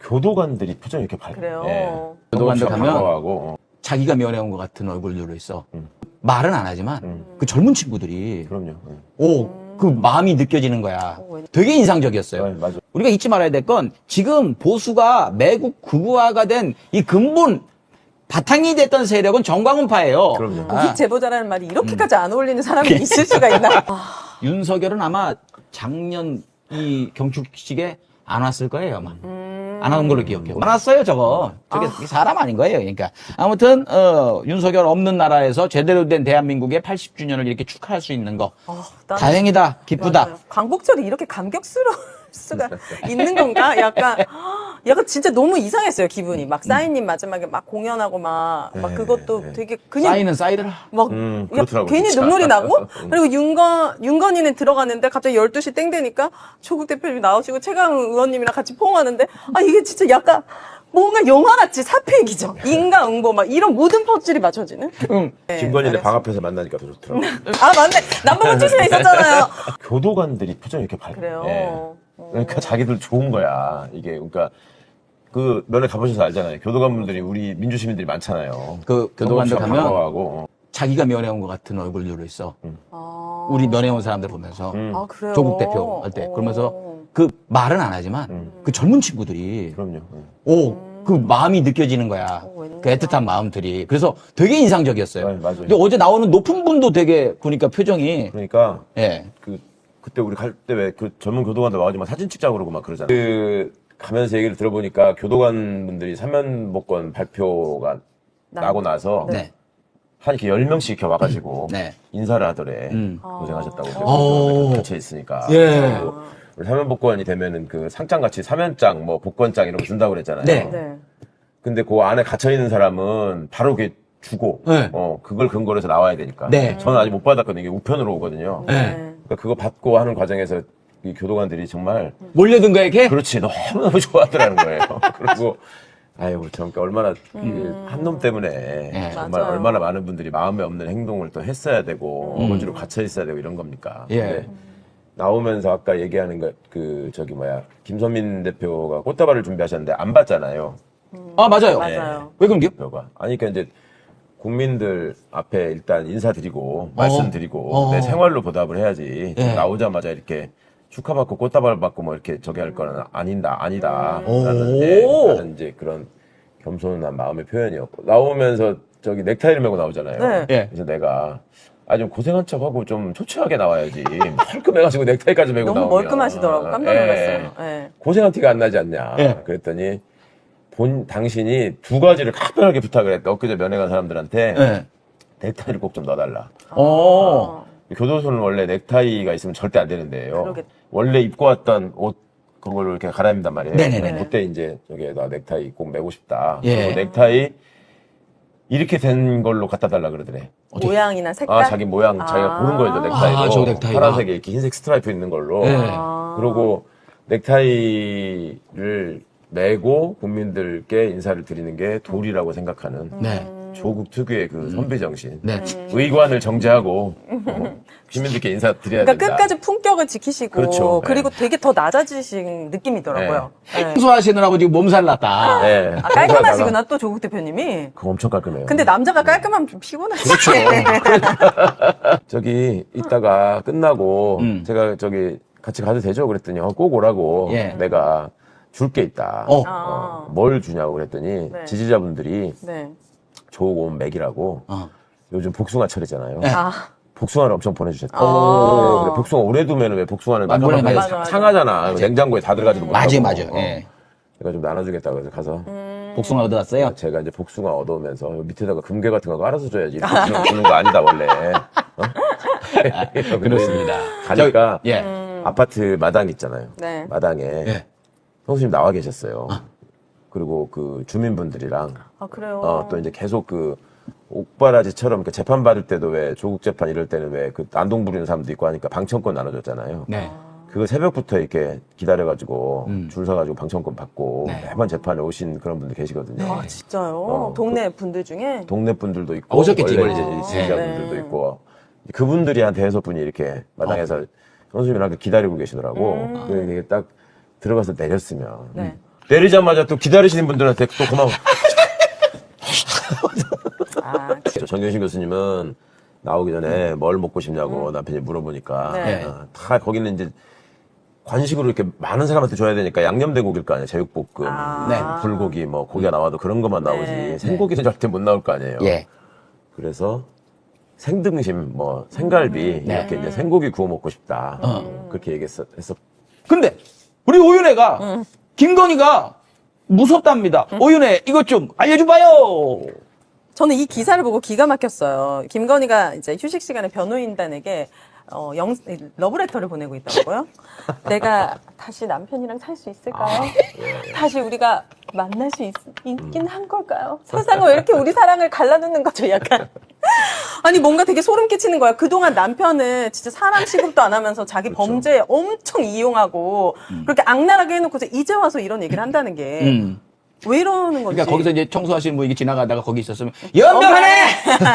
교도관들이 표정이 이렇게 밝아요. 그래요. 예. 교도관들 가면 반가워하고, 자기가 면회온 것 같은 얼굴들로 있어. 말은 안 하지만 그 젊은 친구들이 그럼요. 그 마음이 느껴지는 거야. 되게 인상적이었어요. 네, 맞아. 우리가 잊지 말아야 될 건 지금 보수가 매국 극우화가 된 이 근본 바탕이 됐던 세력은 정광훈파예요. 그럼요. 무식 제보자라는 말이 이렇게까지 안 어울리는 사람이 있을 수가 있나? 윤석열은 아마 작년 이 경축식에 안 왔을 거예요, 아마. 안 온 걸로 기억해요. 안 왔어요, 저거. 저게 사람 아닌 거예요, 그러니까. 아무튼, 윤석열 없는 나라에서 제대로 된 대한민국의 80주년을 이렇게 축하할 수 있는 거. 나는- 다행이다, 기쁘다. 맞아요. 광복절이 이렇게 감격스러울 수가 있는 건가? 약간 진짜 너무 이상했어요, 기분이. 막 싸이님 마지막에 막 공연하고 막 그것도 되게 그냥 쌓이는 쌓이더라. 막 그렇더라고요, 괜히 진짜. 눈물이 나고 그리고 윤건이는 들어갔는데 갑자기 12시 땡 되니까 조국 대표님 나오시고 최강 의원님이랑 같이 포옹하는데 이게 진짜 약간 뭔가 영화같이 사패기죠. 인과응보 막 이런 모든 퍼즐이 맞춰지는. 네, 김건희네 방 앞에서 만나니까 더 좋더라고요. 맞네. 남북은 출신에 있었잖아요. 교도관들이 표정이 이렇게 밝아요. 그래요. 예. 그러니까 자기들 좋은 거야. 이게, 그러니까, 그 면회 가보셔서 알잖아요. 교도관분들이 우리 민주시민들이 많잖아요. 그 교도관들 가면 반가워하고, 자기가 면회온 것 같은 얼굴들로 있어. 우리 면회온 사람들 보면서. 그래요. 조국 대표 할 때. 그러면서 그 말은 안 하지만 그 젊은 친구들이 그럼요. 그 마음이 느껴지는 거야. 그 애틋한 마음들이. 그래서 되게 인상적이었어요. 네, 맞아요. 근데 어제 나오는 높은 분도 되게 보니까 표정이 그러니까, 예. 그때 우리 갈 때 왜 그 젊은 교도관들 와가지고 막 사진 찍자고 그러고 막 그러잖아요. 가면서 얘기를 들어보니까 교도관 분들이 사면복권 발표가 나고 나서 네. 한 이렇게 10명씩 이렇게 와가지고 네. 인사를 하더래. 고생하셨다고. 오. 갇혀 있으니까. 예. 사면복권이 되면은 그 상장같이 사면장, 뭐 복권장 이런 거 준다고 그랬잖아요. 네. 네. 근데 그 안에 갇혀 있는 사람은 바로 그게 주고, 네. 그걸 근거로 해서 나와야 되니까. 네. 저는 아직 못 받았거든요. 이게 우편으로 오거든요. 네. 그러니까 그거 받고 하는 과정에서 이 교도관들이 정말 몰려든 거야, 이렇게? 그렇지 너무너무 좋아하더라는 거예요. 그리고 아유 참 그러니까 얼마나 한 놈 때문에 정말 맞아요. 얼마나 많은 분들이 마음에 없는 행동을 또 했어야 되고 어거지로 갇혀 있어야 되고 이런 겁니까? 예. 근데 나오면서 아까 얘기하는 거 김선민 대표가 꽃다발을 준비하셨는데 안 받잖아요. 맞아요. 맞아요. 왜 그런겨? 대표가 아니 그러니까 이제 국민들 앞에 일단 인사드리고 말씀드리고 내 생활로 보답을 해야지 예. 나오자마자 이렇게 축하받고 꽃다발 받고 뭐 이렇게 저기 할 거는 아니다 오. 라는 이제 그런 겸손한 마음의 표현이었고 나오면서 저기 넥타이를 메고 나오잖아요. 네. 예. 그래서 내가 좀 고생한 척하고 좀 초췌하게 나와야지 멀끔해가지고 넥타이까지 메고 너무 나오면 멀끔하시더라고. 깜짝 놀랐어요. 예. 고생한 티가 안 나지 않냐. 예. 그랬더니 당신이 두 가지를 각별하게 부탁을 했다. 엊그제 면회 간 사람들한테 예. 넥타이를 꼭 좀 넣어달라. 교도소는 원래 넥타이가 있으면 절대 안 되는데요. 그러겠다. 원래 입고 왔던 옷 그걸로 이렇게 갈아입는단 말이에요. 네네네. 그때 이제 저기에다 넥타이 꼭 메고 싶다. 예. 그리고 넥타이 이렇게 된 걸로 갖다 달라 그러더래. 모양이나 색깔? 자기 모양 자기가 고른 거예요, 넥타이로. 저 넥타이가. 파란색에 이렇게 흰색 스트라이프 있는 걸로. 예. 그리고 넥타이를 메고 국민들께 인사를 드리는 게 도리라고 생각하는 네. 조국 특유의 그 선배 정신. 네. 의관을 정제하고 시민들께 인사드려야 그러니까 된다. 끝까지 품격을 지키시고 그렇죠. 그리고 되게 더 낮아지신 느낌이더라고요. 네. 청소하시느라고 지금 몸살 났다. 네. 깔끔하시구나 또 조국 대표님이. 그거 엄청 깔끔해요. 근데 남자가 깔끔하면 좀 피곤하시죠. 저기 이따가 끝나고 제가 저기 같이 가도 되죠? 그랬더니 꼭 오라고 예. 내가 줄 게 있다. 뭘 주냐고 그랬더니 네. 지지자분들이 네. 조국 온 맥이라고 요즘 복숭아철이잖아요. 네. 복숭아를 엄청 보내주셨대. 아. 그래, 복숭아 오래 두면 왜 복숭아를 맞아요. 맞아. 상하잖아. 냉장고에 다 들어가지도 못하고. 맞아요. 예. 제가 좀 나눠주겠다고 해서 가서 복숭아 얻어왔어요? 제가 이제 복숭아 얻어오면서 밑에다가 금괴 같은 거 알아서 줘야지. 이렇게 주는 거 아니다 원래. 그렇습니다. 가니까 예. 아파트 마당 있잖아요. 네. 마당에 예. 형수님 나와 계셨어요. 그리고 그 주민분들이랑 그래요. 또 이제 계속 그 옥바라지처럼 그 재판 받을 때도 왜 조국 재판 이럴 때는 왜 그 난동 부리는 사람도 있고 하니까 방청권 나눠줬잖아요. 네. 그거 새벽부터 이렇게 기다려가지고 줄 서가지고 방청권 받고 매번 재판에 오신 그런 분들 계시거든요. 진짜요? 동네 분들 중에? 동네 분들도 있고 오셨겠지, 원래 이번에. 이제 지지자분들도 있고 그분들이 한 대여섯 분이 이렇게 마당에서 형수님이랑 기다리고 계시더라고. 그게 딱 들어가서 내렸으면 내리자마자 또 기다리시는 분들한테 또 고마워. 정경심 교수님은 나오기 전에 뭘 먹고 싶냐고 남편이 물어보니까 네. 다 거기는 이제 관식으로 이렇게 많은 사람한테 줘야 되니까 양념돼고기일 거 아니에요. 제육볶음, 네. 불고기, 뭐 고기가 나와도 그런 것만 나오지 네. 생고기는 절대 못 나올 거 아니에요. 예. 그래서 생등심, 뭐 생갈비 이렇게 이제 생고기 구워 먹고 싶다. 그렇게 얘기했어. 근데 우리 오윤혜가 김건희가 무섭답니다. 오윤혜 이것 좀 알려줘봐요. 저는 이 기사를 보고 기가 막혔어요. 김건희가 이제 휴식 시간에 변호인단에게 러브레터를 보내고 있더라고요. 내가 다시 남편이랑 살 수 있을까요? 다시 우리가 만날 수 있긴 한 걸까요? 세상은 왜 이렇게 우리 사랑을 갈라놓는 거죠, 약간. 아니, 뭔가 되게 소름 끼치는 거야. 그동안 남편은 진짜 사람 취급도 안 하면서 자기 범죄에 엄청 이용하고 그렇게 악랄하게 해놓고서 이제 와서 이런 얘기를 한다는 게 왜 이러는 건지. 그러니까 거기서 이제 청소하시는 분이 지나가다가 거기 있었으면 연병하네!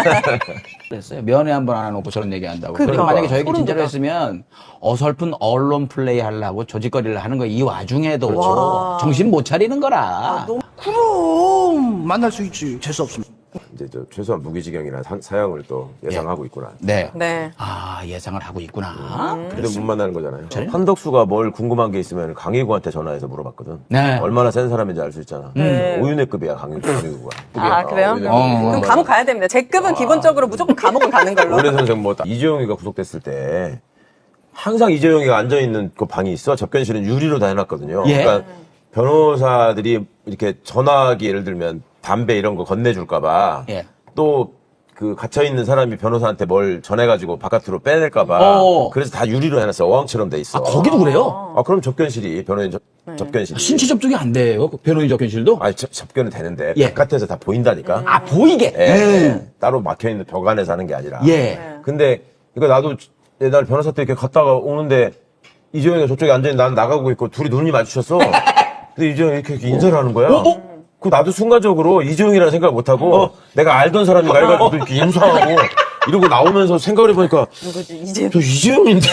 그랬어요. 면회 한 번 안 해놓고 저런 얘기 한다고. 그러니까. 그래서 만약에 저 얘기 소름 진짜로 돋아. 했으면 어설픈 언론 플레이 하려고 조직거리를 하는 거 이 와중에도 와. 정신 못 차리는 거라. 너무 그럼 만날 수 있지. 재수 없으면. 이제 저 최소한 무기징역이나 사형을 또 예상하고 있구나. 네. 네. 아, 예상을 하고 있구나. 근데 못 만나는 거잖아요. 한덕수가 뭘 궁금한 게 있으면 강희구한테 전화해서 물어봤거든. 네. 얼마나 센 사람인지 알 수 있잖아. 오윤회급이야 강희구가. 아, 그래요? 어. 그럼 감옥 가야 됩니다. 제 급은 기본적으로 무조건 감옥은 가는 걸로. 오래 선생 뭐 이재용이가 구속됐을 때 항상 이재용이가 앉아 있는 그 방이 있어. 접견실은 유리로 다 해놨거든요. 예. 그러니까 변호사들이 이렇게 전화기 예를 들면 담배 이런 거 건네줄까봐 예. 또 그 갇혀 있는 사람이 변호사한테 뭘 전해가지고 바깥으로 빼낼까봐 어. 그래서 다 유리로 해놨어. 어항처럼 돼 있어. 아, 거기도 그래요? 그럼 접견실이 변호인 접견실이. 신체 접촉이 안 돼요. 그 변호인 접견실도? 아니 접견은 되는데 예. 바깥에서 다 보인다니까. 아, 보이게. 예. 따로 막혀 있는 벽 안에서 하는 게 아니라. 예. 근데 이거 나도 옛날 변호사 때 이렇게 갔다가 오는데 이재용이가 저쪽에 앉아있는 나는 나가고 있고 둘이 눈이 마주쳤어. 근데 이재용이 이렇게 인사를 하는 거야. 그 나도 순간적으로 이재용이라는 생각을 못하고 내가 알던 사람인가 해가지고 이렇게 인사하고 이러고 나오면서 생각을 해보니까 누구지? 이제 저 이재용인데.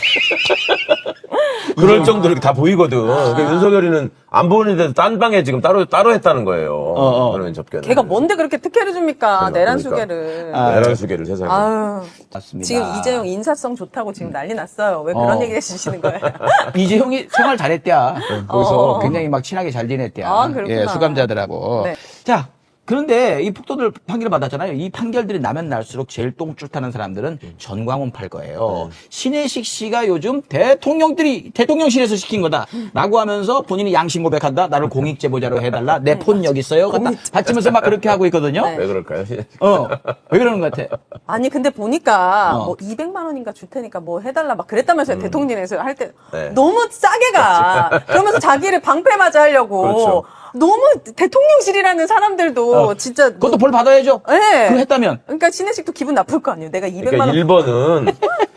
그럴 정도로 이렇게 다 보이거든. 그러니까 윤석열이는 안 보이는데도 딴 방에 지금 따로 했다는 거예요. 그러면 접견. 걔가 뭔데 그렇게 특혜를 줍니까? 그러니까. 내란수계를. 내란수계를 세상에. 아유. 맞습니다. 지금 이재용 인사성 좋다고 지금 난리 났어요. 왜 그런 얘기 해주시는 거예요? 이재용이 생활 잘했대야. 거기서 굉장히 막 친하게 잘 지냈대야. 아, 그렇구나. 예, 수감자들하고. 네. 자, 그런데 이 폭도들 판결을 받았잖아요. 이 판결들이 나면 날수록 제일 똥줄 타는 사람들은 전광훈 팔 거예요. 신혜식 씨가 요즘 대통령실에서 시킨 거다라고 하면서 본인이 양심 고백한다. 나를 공익 제보자로 해달라. 내 폰 여기 있어요. 받치면서 막 그렇게 하고 있거든요. 네. 왜 그럴까요? 왜 그러는 것 같아? 아니 근데 보니까 뭐 200만 원인가 줄 테니까 뭐 해달라 막 그랬다면서요. 대통령에서 할 때 네. 너무 싸게 가. 그러면서 자기를 방패맞이 하려고. 그렇죠. 너무 대통령실이라는 사람들도 진짜 그것도 벌 받아야죠. 네. 그거 했다면. 그러니까 신혜식도 기분 나쁠 거 아니에요. 내가 200만 그러니까 원 1번은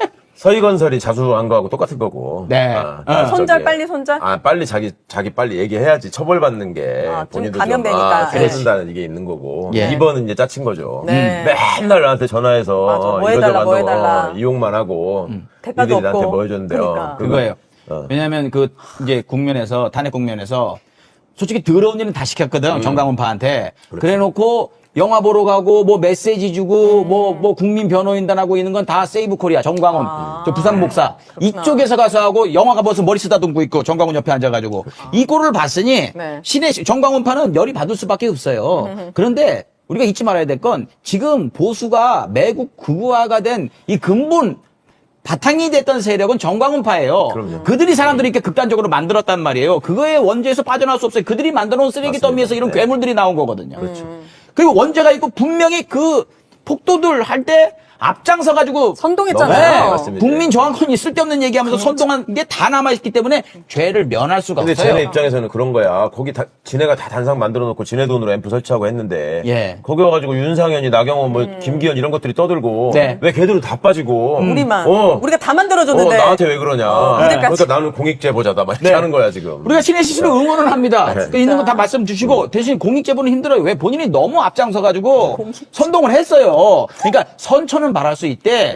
서희건설이 자수한 거하고 똑같은 거고. 네. 손절 빨리 손절. 빨리 자기 빨리 얘기해야지 처벌받는 게 좀 본인도 감염되니까. 그래준다는 이게 있는 거고. 예. 2번은 이제 짜친 거죠. 네. 맨날 나한테 전화해서 맞아. 뭐 해달라, 뭐 해달라. 이용만 하고 대가도 니들이 나한테 없고. 뭐 해줬는데요. 그러니까. 그거예요. 왜냐하면 이제 국면에서 탄핵 국면에서 솔직히 더러운 일은 다 시켰거든 정강훈파한테. 그래놓고 영화 보러 가고 뭐 메시지 주고 뭐 국민 변호인단하고 있는 건 다 세이브 코리아 정광훈 저 부산 목사 그렇구나. 이쪽에서 가서 하고 영화가 벌써 머리 쓰다듬고 있고 정광훈 옆에 앉아가지고 이 꼴을 봤으니 네. 정광훈파는 열이 받을 수밖에 없어요. 그런데 우리가 잊지 말아야 될 건 지금 보수가 매국 극우화가 된 이 근본 바탕이 됐던 세력은 정광훈파예요. 그럼요. 그들이 사람들이 이렇게 극단적으로 만들었단 말이에요. 그거의 원죄에서 빠져나올 수 없어요. 그들이 만들어놓은 쓰레기 더미에서 이런 네. 괴물들이 나온 거거든요. 그리고 원죄가 있고 분명히 그 폭도들 할 때 앞장서가지고 선동했잖아요. 네, 맞습니다. 국민 저항권이 쓸데없는 얘기하면서 선동한 게 다 남아있기 때문에 죄를 면할 수가 근데 없어요. 쟤네 입장에서는 그런 거야. 거기 지네가 다 단상 만들어 놓고 지네 돈으로 앰프 설치하고 했는데 예. 거기 와가지고 윤상현이 나경원 뭐 김기현 이런 것들이 떠들고 네. 왜 걔들은 다 빠지고 우리만 어. 우리가 다 만들어줬는데 나한테 왜 그러냐. 그러니까 그러니까 나는 공익제보자다 막 이렇게 네. 하는 거야 지금. 우리가 신혜식 씨를 응원을 합니다. 그러니까 있는 거 다 말씀 주시고 대신 공익제보는 힘들어요. 왜 본인이 너무 앞장서가지고 선동을 했어요. 그러니까 선처는 바랄 수 있대.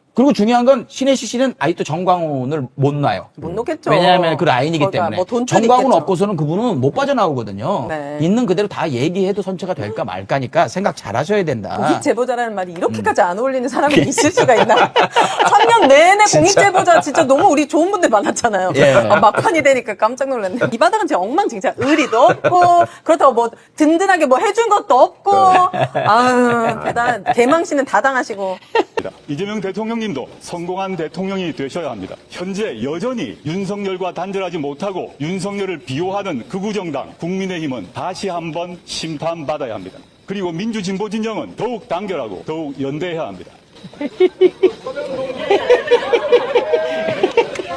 그리고 중요한 건 신혜식 씨는 아직도 정광훈을 못 놔요. 못 놓겠죠. 왜냐하면 그 라인이기 그러니까 때문에. 뭐 돈줄이 정광훈 있겠죠. 없고서는 그분은 못 빠져나오거든요. 네. 있는 그대로 다 얘기해도 선처가 될까 말까니까 생각 잘 하셔야 된다. 공익 제보자라는 말이 이렇게까지 안 어울리는 사람이 있을 수가 있나? 3년 내내 공익 제보자 진짜 너무 우리 좋은 분들 많았잖아요. 예. 막판이 되니까 깜짝 놀랐네. 이 바닥은 진짜 엉망진창. 의리도 없고 그렇다고 뭐 든든하게 뭐 해준 것도 없고 아유 대단. 개망신은 다 당하시고. 이재명 대통령님도 성공한 대통령이 되셔야 합니다. 현재 여전히 윤석열과 단절하지 못하고 윤석열을 비호하는 극우정당 국민의힘은 다시 한번 심판받아야 합니다. 그리고 민주진보 진영은 더욱 단결하고 더욱 연대해야 합니다.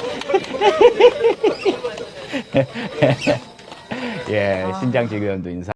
예, 신장식 의원도 인사.